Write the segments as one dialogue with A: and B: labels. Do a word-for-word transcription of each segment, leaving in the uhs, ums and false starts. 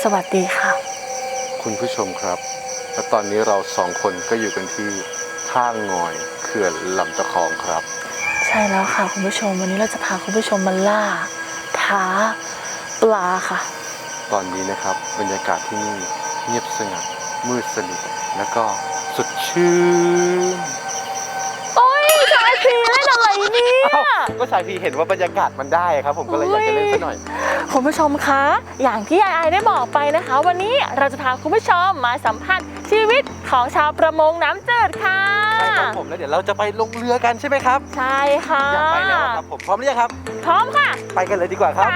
A: สวัสดีค่ะ
B: คุณผู้ชมครับและตอนนี้เราสองคนก็อยู่กันที่ท่างอยเขื่อนลำตะคองครับ
A: ใช่แล้วค่ะคุณผู้ชมวันนี้เราจะพาคุณผู้ชมมาล่าท้าปลาค่ะ
B: ตอนนี้นะครับบรรยากาศที่นี่เงียบสงัดมืดสนิทแล้วก็สดชื่น
A: โอ้ยชายพีเล่นอะไรเนี่ย
B: ก็ชายพีเห็นว่าบรรยากาศมันได้ครับผมก็เลยอยากจะเล่นซะหน่อย
A: คุณผู้ชมคะอย่างที่ไอไอได้บอกไปนะคะวันนี้เราจะพาคุณผู้ชมมาสัมผัสชีวิตของชาวประมงน้ำจืดค่ะ
B: ใช่ครับผมแล้วเดี๋ยวเราจะไปลงเรือกันใช่ไหมครับ
A: ใช่ค่ะ
B: อยากไปแล้วครับผมพร้อมหรือยังครับ
A: พร้อมค่ะ
B: ไปกันเลยดีกว่าครับ
A: ไป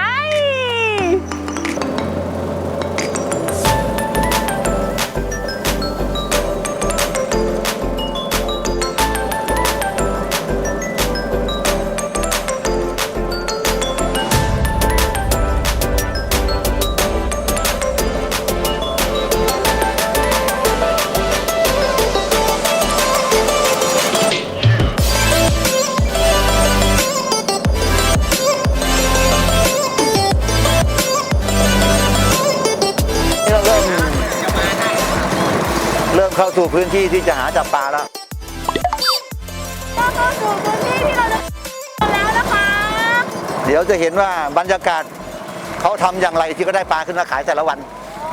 C: เริ่มเข้าสู่พื้นที่ที่จะหาจับปลาแล้ว
A: เข้าสู่พื้นที่ที่เราจะแล้วนะคะ
C: เดี๋ยวจะเห็นว่าบรรยากาศเขาทำอย่างไรที่ก็ได้ปลาขึ้นมาขายแต่ละวัน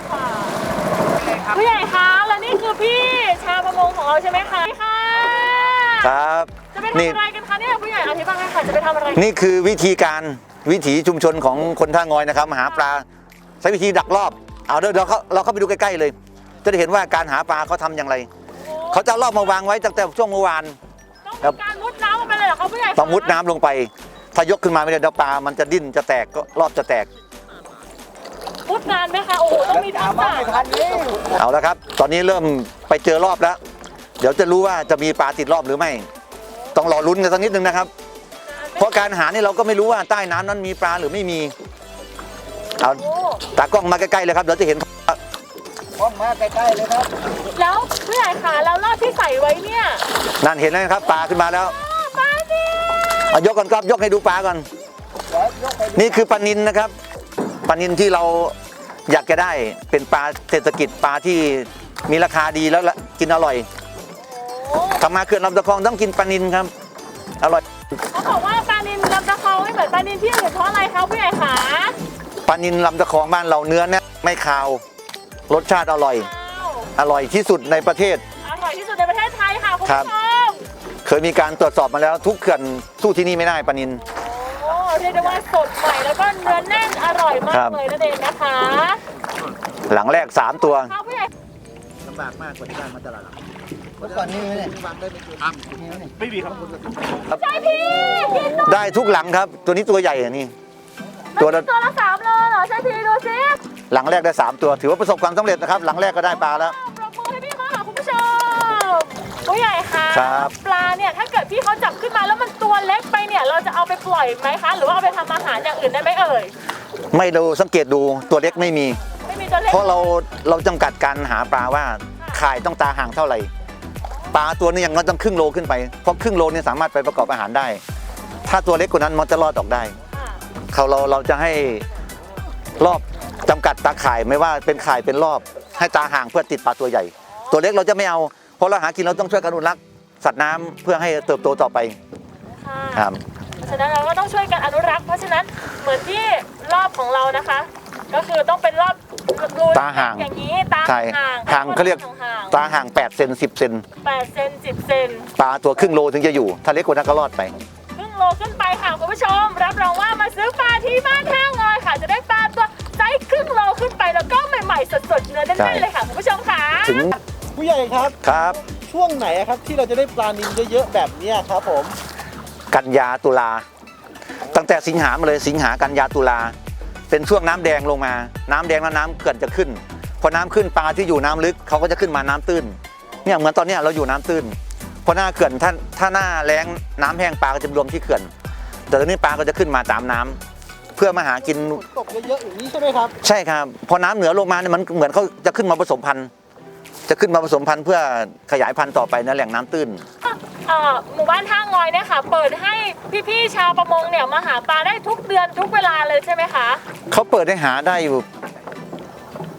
A: ผู้ใหญ่คะและนี่คือพี่ชาวประมงของเราใช่ไหมคะค่ะ
C: ครับ
A: จะไปทำอะไรกันคะเนี่ยผู้ใหญ่อธิบายให้ค่ะจะไปทำอะไร
C: นี่คือวิธีการวิถีชุมชนของคนท่างอยนะครับมาหาปลาใช้วิธีดักรอบเอาเดี๋ยวเราเราเข้าไปดูใกล้ๆเลยจะได้เห็นว่าการหาปลาเขาทำอย่างไรเขาจะรอบมาวางไว้ตั้งแต่ช่วงเมื่อวาน
A: ต้องการมุดน้ำลงไปเลยเหรอคะผู้ใหญ่
C: ต้องมุดน้ำลงไปถ้ายกขึ้นมาไม่ได้เดี๋ยวปลามันจะดิ้นจะแตกก็รอบจะแตก
A: มุดนานไหมคะโอ้โหต้องมีทักษะ
C: เอาแล้วครับตอนนี้เริ่มไปเจอรอบแล้วเดี๋ยวจะรู้ว่าจะมีปลาติดรอบหรือไม่ต้องรอลุ้นกันสักนิดนึงนะครับเพราะการหานี่เราก็ไม่รู้ว่าใต้น้ำนั้นมีปลาหรือไม่มีเอาตากล้องมาใกล้ๆเลยครับเดี๋ยวจะเห็น
D: กล้องมาใกล้ๆเลยครับ
A: แล้วผู้ใหญ่ขาแล้วรอบที่ใส่ไว้เนี่ย
C: นั่นเห็นแล้วครับปลาขึ้นมาแล้ว
A: ปลาดิ
C: เอายกก่อนครับยกให้ดูปลาก่อนนี่คือปลานิลนะครับปลานิลที่เราอยากจะได้เป็นปลาเศรษฐกิจปลาที่มีราคาดีแล้วกินอร่อยทำมาเขื่อนลำตะคองต้องกินปลานิลครับอร่อย
A: เขาบอกว่าปลานิลลำตะคองไม่เหมือนปลานิลที่อื่นเพราะอะไรครับผู้ใหญ่ขา
C: ปลานิลลำตะคองบ้านเราเนื้อเนี่ยไม่คาวรสชาติอร่อยอร่อยที่สุดในประเทศ
A: อร่อยที่สุดในประเทศไทยค่ะคุณผู้ชม
C: เคยมีการตรวจสอบมาแล้วทุกเขื่อนสู้ที่นี่ไม่ได้ปลานิล
A: โอ้เรียกได้ว่าสดใหม่แล้วก็เนื้อแน่นอร่อยมากเลยนั่นเองนะคะ
C: หลังแรกสามตัว
D: ลำบากมากกว่าที่บ้านมาตลาดเมื่อก่อนนี่เนี่ยวางได้ไม่กี่
B: ไม่มีครับ
A: ใช่พี่
C: ได้ทุกหลังครับตัวนี้ตัวใหญ่อ่ะนี่
A: ตัวละตัวละสามโลเหรอใช่พี่ดูสิ
C: หลังแรกได้สามตัวถือว่าประสบความสำเร็จนะครับหลังแรกก็ได้ปลาแล้ว
A: ปรบมือให้พี่เขาค่ะคุณผู้ชมผู้ใหญ่ค่ะปลาเนี่ยถ้าเกิดพี่เขาจับขึ้นมาแล้วมันตัวเล็กไปเนี่ยเราจะเอาไปปล่อยไหมคะหรือว่าเอาไปทำอาหารอย่างอื่นได้ไหมเอ่ย
C: ไม่ดูสังเกตดูตัวเล็กไม่มี
A: ไม่มีตัวเล็ก
C: เพราะเราเราจำกัดการหาปลาว่าข่ายต้องตาห่างเท่าไหร่ปลาตัวนี้อย่างน้อยต้องครึ่งโลขึ้นไปเพราะครึ่งโลนี่สามารถไปประกอบอาหารได้ถ้าตัวเล็กกว่านั้นมันจะรอดออกได้เขาเราเราจะให้รอบจำกัดตาข่ายไม่ว่าเป็นข่ายเป็นรอบให้ตาห่างเพื่อติดปลาตัวใหญ่ตัวเล็กเราจะไม่เอาเพราะเราหากินเราต้องช่วยกันอนุรักษ์สัตว์น้ำเพื่อให้เติบโตต่อไป
A: ครับเพราะฉะนั้นเราก็ต้องช่วยกันอนุรักษ์เพราะฉะนั้นเหมือนที่รอบของเรานะคะก็คือต้องเป็นรอบ
C: ตาห่าง
A: อย่างนี้ตาห่าง
C: ห่างเขาเรียกตาห่างแปดเซนสิบเซน
A: แปดเซนสิบเซน
C: ปลาตัวครึ่งโลถึงจะอยู่ถ้าเล็กกว่านั้นก็รอดไป
A: ครึ่งโลขึ้นไปค่ะคุณผู้ชมรับรองว่ามาซื้อปลาที่บ้านท่างอยค่ะจะได้ปลาตัวไซส์ครึ่งโลขึ้นไปแล้วก็ใหม่ๆสดๆเนื้อแน่นๆเลยค่ะคุณผู้ชมค่ะ
C: ถึง
D: ผู้ใหญ่ครับ
C: ครับ
D: ช่วงไหนครับที่เราจะได้ปลานิลเยอะๆแบบนี้ครับผม
C: กันยาตุลาตั้งแต่สิงหามาเลยสิงหากันยาตุลาเป็นช่วงน้ำแดงลงมาน้ำแดงแล้วน้ำเขื่อนจะขึ้นพอน้ำขึ้นปลาที่อยู่น้ำลึกเขาก็จะขึ้นมาน้ำตื้นเนี่ยเหมือนตอนนี้เราอยู่น้ำตื้นพอหน้าเขื่อนถ้าถ้าหน้าแล้งน้ำแห้งปลาก็จะรวมที่เขื่อนแต่ตอนนี้ปลาก็จะขึ้นมาตามน้ำเพื่อมาหากิน
D: ตกเยอะๆอย่างนี้ใช่ไหมครับ
C: ใช่ครับพอน้ำเหนือลงมาเนี่ยมันเหมือนเขาจะขึ้นมาผสมพันธุ์จะขึ้นมาผสมพันธุ์เพื่อขยายพันธุ์ต่อไปในแหล่งน้ำตื้น
A: หมู่บ้านท่างอยเนี่ยค่ะเปิดให้พี่ๆชาวประมงเนี่ยมาหาปลาได้ทุกเดือนทุกเวลาเลยใช่ไหมคะ
C: เขาเปิดให้หาได้อยู่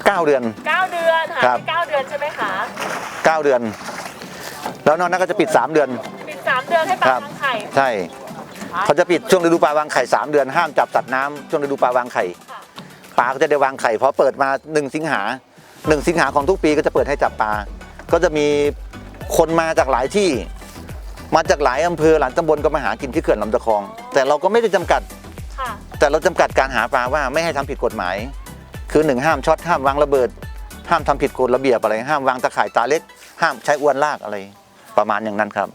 C: เก้าเดือน
A: เก้าเดือนหา
C: ครับ
A: ไปเก้าเดือนใช่ไหมคะ
C: เก้าเดือน แล้วนอกนั้นก็จะปิดสามเดือน
A: ปิดสามเดือนให้ปลาวางไข่
C: ใช่เขาจะปิดช่วงฤดูปลาวางไข่สามเดือนห้ามจับสัตว์น้ำช่วงฤดูปลาวางไข่
A: ค่ะ
C: ปลาก็จะได้วางไข่พอเปิดมาหนึ่งสิงหาหนึ่งสิงหาของทุกปีก็จะเปิดให้จับปลาก็จะมีคนมาจากหลายที่ มาจากหลายอำเภอหลายตำบลก็มาหากินที่เขื่อนลำตะคอง แต่เราก็ไม่ได้จำกัด
A: ค่ะ
C: แต่เราจำกัดการหาปลาว่าไม่ให้ทำผิดกฎหมาย คือหนึ่งห้ามช็อตห้ามวางระเบิด ห้ามทำผิดกฎระเบียบอะไร ห้ามวางตะข่ายตาเล็ก ห้ามใช้อวนลากอะไร ประมาณอย่างนั้นครับ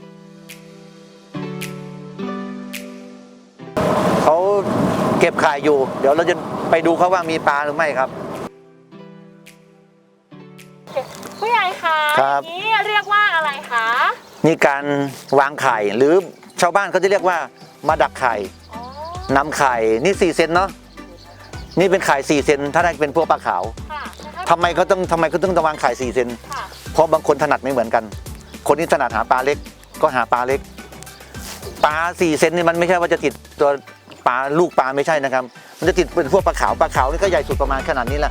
C: เขาเก็บข่ายอยู่ เดี๋ยวเราจะไปดูเขาว่ามีปลาหรือไม่ครับ
A: ผู้ใหญ่คะ
C: ครับ
A: อย่างนี้เรียกว่าอะไรคะ
C: นี่การวางไข่หรือชาวบ้านเขาจะเรียกว่ามาดักไข่
A: อ๋อน
C: ำไข่นี่สี่เซนเนาะนี่เป็นไข่สี่เซนถ้าได้เป็นพวกปลาขาว
A: ค่ะ
C: ทำไมเขาต้องทำไมเขาต้องวางไข่สี่เซน
A: ค่ะ
C: เพราะบางคนถนัดไม่เหมือนกัน คนที่ถนัดหาปลาเล็กก็หาปลาเล็ก ปลาสี่เซนนี่มันไม่ใช่ว่าจะติดตัวปลาลูกปลาไม่ใช่นะครับ มันจะติดเป็นพวกปลาขาวปลาขาวนี่ก็ใหญ่สุดประมาณขนาดนี้แหละ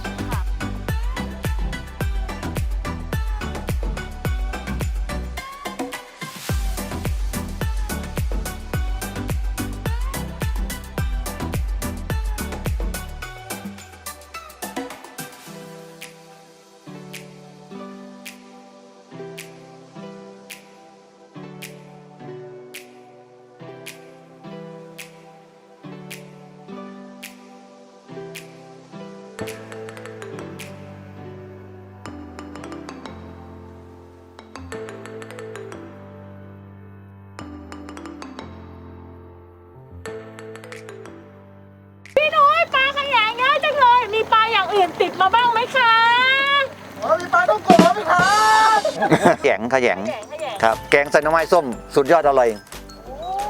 A: พี่น้อยปลาขยงเยอะจังเลย มีปลาอย่างอื่นติดมาบ้างไหมคะ
D: มีปลาต้องโกะไหมครับ
C: แขยงขยง
A: ขยงขยง
C: ครับ แกงใส่หน่อไม้ส้ม สุดยอดอร่อย
A: โอ้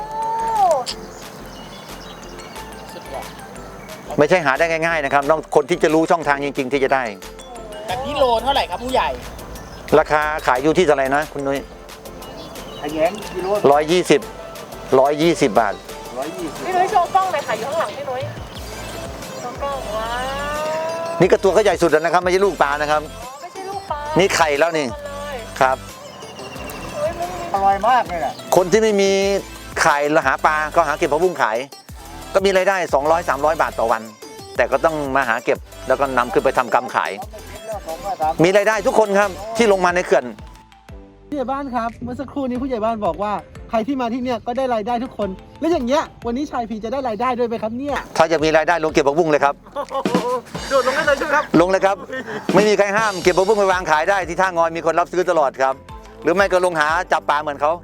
C: ไม่ใช่หาได้ง่ายๆนะครับต้องคนที่จะรู้ช่องทางจริง ๆ ที่จะได้
E: แบบนี้โลเท่าไหร่ครับผู้ใหญ่
C: ราคาขายอยู่ที่เท่าไหร่นะคุณนุ้ย
D: ขยงกิโล
C: ร้อยยี่สิบร้อยยี่สิบบาท
D: ร้อยยี่สิบ
A: พี่นุ้ยโชว์กล้องเลยค่ะอยู่ข้างหลังพี่นุ้ยโชว์กล้องว้าว
C: นี่ก็ตัวก็ใหญ่สุดแล้วนะครับไม่ใช่ลูกปลานะครับ
A: อ๋อไม่ใช่ลูกปลา
C: นี่ไข่แล้วนี่
A: มาเลย
C: ครับ
A: เฮ้ยมันมี
D: อร่อยมากเลยน่ะ
C: คนที่ไม่มีไข่แล้วหาปลาก็หาเก็บผักบุ้งขาย ก็มีรายได้สองร้อย สามร้อยบาทต่อวัน แต่ก็ต้องมาหาเก็บแล้วก็นำขึ้นไปทำกำขาย มีรายได้ทุกคนครับที่ลงมาในเขื่อน
F: ผู้ใหญ่บ้านครับเมื่อสักครู่นี้ผู้ใหญ่บ้านบอกว่าใครที่มาที่เนี่ยก็ได้รายได้ทุกคน แล้วอย่างเงี้ยวันนี้ชายพีจะได้รายได้ด้วยไหมครับเนี่ย
C: ถ้าจะมีรายได้ลงเก็บผักบุ้งเลยครับ
F: โดดลงได้เลยใช่ไหมครับ
C: ลงเลยครับ ไม่มีใครห้ามเก็บผักบุ้งไปวางขายได้ที่ท่างอยมีคนรับซื้อตลอดครับ หรือไม่ก็ลงหาจับปลาเหมือนเขา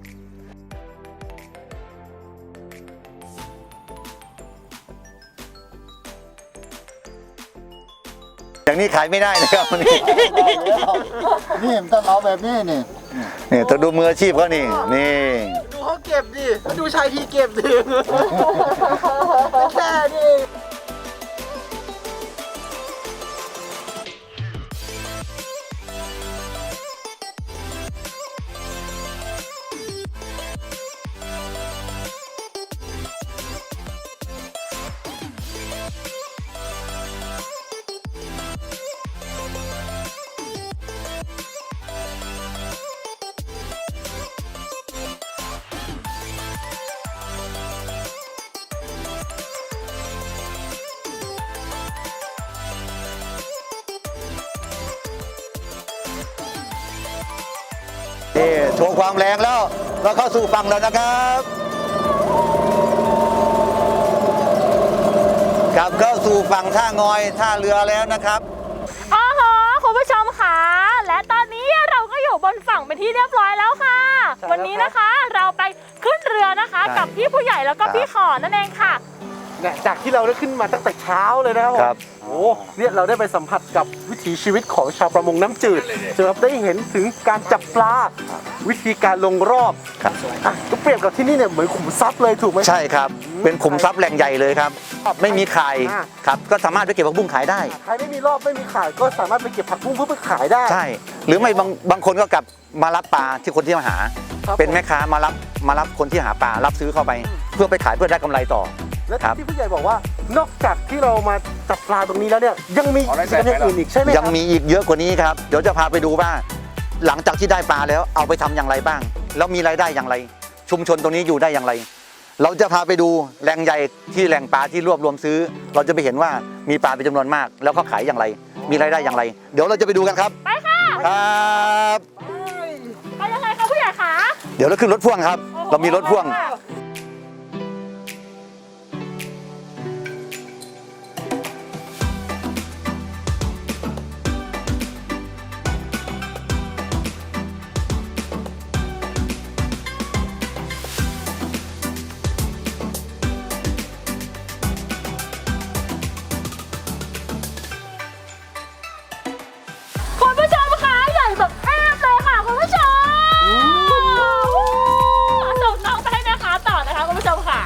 C: อย่างนี้ขายไม่ได้นะครับวันนี้
D: นี่มันต้องเอาแบบนี้นี่
C: นี่ต้องดูมืออาชีพเขานี่นี่
F: ดูเขาเก็บดิแล้วดูชายพีเก็บดิ แค่นี้
C: นี่โชว์ความแรงแล้วเราเข้าสู่ฝั่งแล้วนะครับกลับเข้าสู่ฝั่งท่างอยท่าเรือแล้วนะครับ
A: อ๋อโหคุณผู้ชมค่ะและตอนนี้เราก็อยู่บนฝั่งเป็นที่เรียบร้อยแล้วค่ะ
F: ใช่แล้ว
A: วันนี้นะคะเราไปขึ้นเรือนะคะ
C: ใช่
A: กับพี่ผู้ใหญ่แล้วก็
C: ครับ
A: พี่ขอนั่นเองค่ะ
F: เนี่ยจากที่เราได้ขึ้นมาตั้งแต่เช้าเลยนะครับผม
C: ครับ
F: โอ้เนี่ยเราได้ไปสัมผัสกับวิถีชีวิตของชาวประมงน้ำจืดจะได้เห็นถึงการจับปลา วิธีการลงรอบ
C: ครับ
F: อ่ะก็เปรียบกับที่นี่เนี่ยเหมือนขุมทรัพย์เลยถูกไหม
C: ใช่ครับ เป็นขุมทรัพย์แหล่งใหญ่เลยครับ ไม่มีขายครับ ก็สามารถไปเก็บผักบุ้งขายได้
F: ใครไม่มีรอบไม่มีขายก็สามารถไปเก็บผักบุ้งเพื่อไปขายได้
C: ใช่ หรือไม่บางบางคนก็กลับมารับปลาที่คนที่มาหา
F: ครับ
C: เป็นแม่ค้ามารับมารับคนที่หาปลารับซื้อเข้าไป เพื่อไปขายเพื่อได้กำไรต่อ
F: และ
C: ครับ
F: ที่ผู้ใหญ่บอกว่านอกจากที่เรามาจับปลาตรงนี้แล้วเนี่ยยังมีกิจกรรมอย่างอื่นอีกใช่ไหมครับ
C: ยังมีอีกเยอะกว่านี้ครับ เดี๋ยวจะพาไปดูว่า หลังจากที่ได้ปลาแล้วเอาไปทำอย่างไรบ้าง แล้วมีรายได้อย่างไร ชุมชนตรงนี้อยู่ได้อย่างไร เราจะพาไปดูแหล่งใหญ่ที่แหล่งปลาที่รวบรวมซื้อ เราจะไปเห็นว่ามีปลาเป็นจำนวนมาก แล้วเขาขายอย่างไร มีรายได้อย่างไร เดี๋ยวเราจะไปดูกันครับ
A: ไปค่ะ
C: ครับ
A: ไปยังไงคะผู้ใหญ่คะ
C: เดี๋ยวเราขึ้นรถพ่วงครับ เรามีรถพ่วง
A: คุณผู้ชมคะใหญ่แบบแอบเลยค่ะคุณผู้ชมส่งน้องไปให้นะคะต่อนะคะคุณผู้ชมค่ะ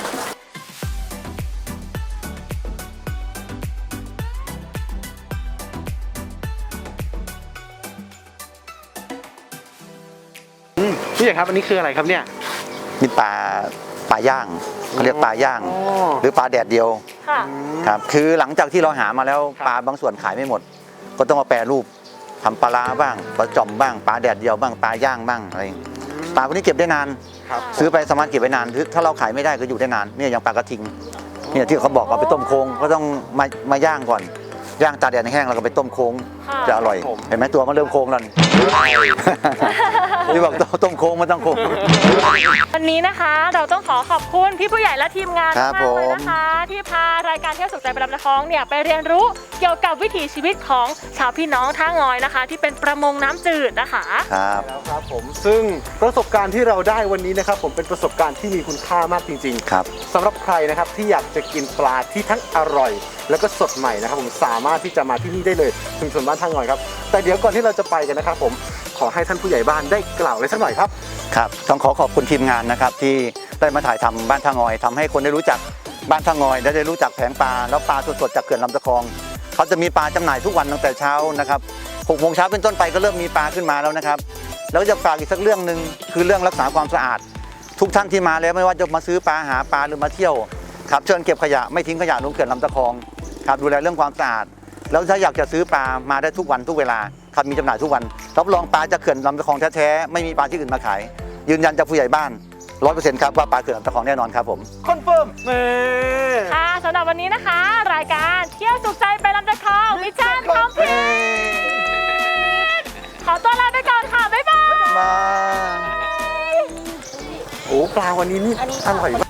F: พี่ใหญ่ครับอันนี้คืออะไรครับเนี่ย
C: มีปลาปลาย่างเขาเรียกปลาย่าง
F: อ๋อ
C: หรือปลาแดดเดียว
A: ค่ะ
C: ครับคือหลังจากที่เราหามาแล้ว
F: ครับ
C: ปลาบางส่วนขายไม่หมด ก็ต้องมาแปรรูปทำปลาร้าบ้างปลาจ่อมบ้างปลาแดดเดียวบ้างปลาย่างบ้างอะไรอย่างงี้ปลาพวกนี้เก็บได้นาน
F: ครับ
C: ซื้อไปสามารถเก็บไว้นานถ้าเราขายไม่ได้ก็อยู่ได้นานเนี่ยอย่างปลากระทิงเนี่ยที่เขาบอกเอาไปต้มโค้งก็ต้องมามาย่างก่อนย่างตากแดดแห้งแล้วก็ไปต้มโค้ง
A: ค่ะ
C: จะอร่อยเห็นไหมตัวมันเริ่มโค้งแล้วนี่ ที่บอกต้มโค้งมันต้องโค้ง
A: วันนี้นะคะเราต้องขอขอบคุณพี่ผู้ใหญ่และทีมงาน
C: ครับ
A: มากเลย
C: ผม
A: นะคะ ที่พารายการเที่ยวสุขใจไปลำตะคองเนี่ยไปเรียนรู้เกี่ยวกับวิถีชีวิตของชาวพี่น้องท่างอยนะคะ ที่เป็นประมงน้ำจืดนะคะ
C: ครับ
F: แล้วครับผมซึ่งประสบการณ์ที่เราได้วันนี้นะครับผมเป็นประสบการณ์ที่มีคุณค่ามากจริง
C: ครับ
F: ๆสำหรับใครนะครับที่อยากจะกินปลาที่ทั้งอร่อย แล้วก็สดใหม่นะครับผมสามารถที่จะมาที่นี่ได้เลยชุมชนบ้านท่างอยครับแต่เดี๋ยวก่อนที่เราจะไปกันนะครับผมขอให้ท่านผู้ใหญ่บ้านได้กล่าวอะไรสักหน่อยครับ
C: ครับต้องขอขอบคุณทีมงานนะครับที่ได้มาถ่ายทำบ้านท่างอยทำให้คนได้รู้จักบ้านท่างอยและได้รู้จักแผงปลาแล้วปลาสดๆจากเขื่อนลำตะคองเขาจะมีปลาจำหน่ายทุกวันตั้งแต่เช้านะครับหกโมงเช้าเป็นต้นไปก็เริ่มมีปลาขึ้นมาแล้วนะครับแล้วจะฝากอีกสักเรื่องหนึ่งคือเรื่องรักษาความสะอาด ทุกท่านที่มาแล้วไม่ว่าจะมาซื้อปลาหาปลาหรือมาเที่ยวครับเชิญเก็บขยะไม่ทิ้งขยะลงเขื่อนลำตะคองครับดูแลเรื่องความสะอาดแล้วถ้าอยากจะซื้อปลามาได้ทุกวันทุกเวลาครับมีจำหน่ายทุกวันรับรองปลาจากเขื่อนลำตะคองแท้ๆไม่มีปลาที่อื่นมาขายยืนยันจากผู้ใหญ่บ้านร้อยเปอร์เซ็นต์ครับว่าปลาเขื่อนลำตะคองแน่นอนครับผม
F: คอนเฟิร์มเน่
A: ค่ะสำหรับวันนี้นะคะ รายการเที่ยวสุขใจไปลำตะคองมิชชั่นคอมพลีทขอตัวลาไปก่อนค่ะบ๊ายบาย
C: มา
F: โอ้ปลาวันนี้นี่อร่อยมาก